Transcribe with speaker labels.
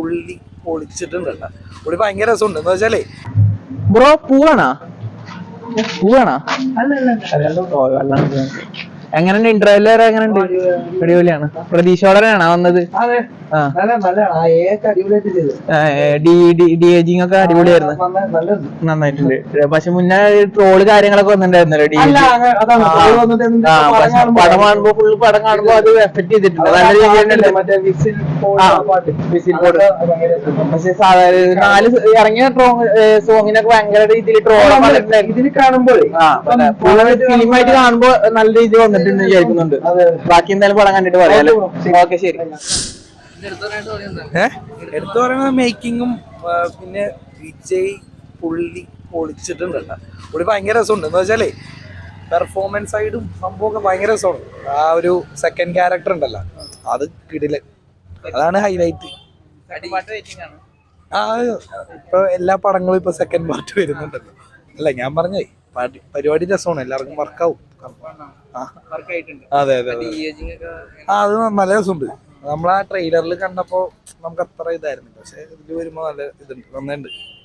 Speaker 1: പുള്ളി പൊളിച്ചിട്ടുണ്ട്. പുള്ളി ഭയങ്കര രസമുണ്ട്. എന്താ വെച്ചാലേ
Speaker 2: ബ്രോ പൂവാണോ എങ്ങനെയുണ്ട് ഇന്റർവെല് വരെ എങ്ങനെയുണ്ട്? അടിപൊളിയാണ്. പ്രതീക്ഷയോടെയാണോ വന്നത്? ഡി ഏജിങ് ഒക്കെ അടിപൊളിയായിരുന്നു, നന്നായിട്ടുണ്ട്. പക്ഷെ മുന്നേ ട്രോള് കാര്യങ്ങളൊക്കെ വന്നിട്ടുണ്ടായിരുന്നല്ലോ പടം കാണുമ്പോ ഫുള്ള് പടം കാണുമ്പോ അത് എഫക്ട് ചെയ്തിട്ടുണ്ട് നല്ല രീതിയിൽ. പക്ഷെ നാല് ഇറങ്ങിയ സോങ്ങിനൊക്കെ ഭയങ്കര രീതിയിൽ ട്രോൾ കാണുമ്പോൾ ഫിലിമായിട്ട് കാണുമ്പോ നല്ല രീതിയിൽ വന്നിട്ടുണ്ട് വിചാരിക്കുന്നുണ്ട്. ബാക്കി എന്തായാലും പടം കണ്ടിട്ട് പറയാലോ. ഓക്കെ, ശരി.
Speaker 1: എടുത്തു പറയുന്നത് മേക്കിങ്ങും പിന്നെ വിജയ് പുള്ളി പൊളിച്ചിട്ടുണ്ട്. പുള്ളി ഭയങ്കര രസമുണ്ട്. എന്താ വെച്ചാലേ പെർഫോമൻസ് സൈഡും സംഭവമൊക്കെ ഭയങ്കര രസമാണ്. ആ ഒരു സെക്കൻഡ് ക്യാരക്ടർ ഉണ്ടല്ലോ, അത് കിടിലൻ, അതാണ് ഹൈലൈറ്റ്. ഇപ്പൊ എല്ലാ പടങ്ങളും ഇപ്പൊ സെക്കൻഡ് പാർട്ട് വരുന്നുണ്ടല്ലോ. അല്ല, ഞാൻ പറഞ്ഞേ പരിപാടി രസമാണ്, എല്ലാവർക്കും വർക്കാവും. അതെ അതെ അത് നല്ല രസമുണ്ട്. നമ്മളാ ട്രെയിലറിൽ കണ്ടപ്പോ നമുക്ക് അത്ര ഇതായിരുന്നു, പക്ഷെ ഇതിൽ വരുമ്പോ നല്ല ഇതുണ്ട്, നന്നുണ്ട്.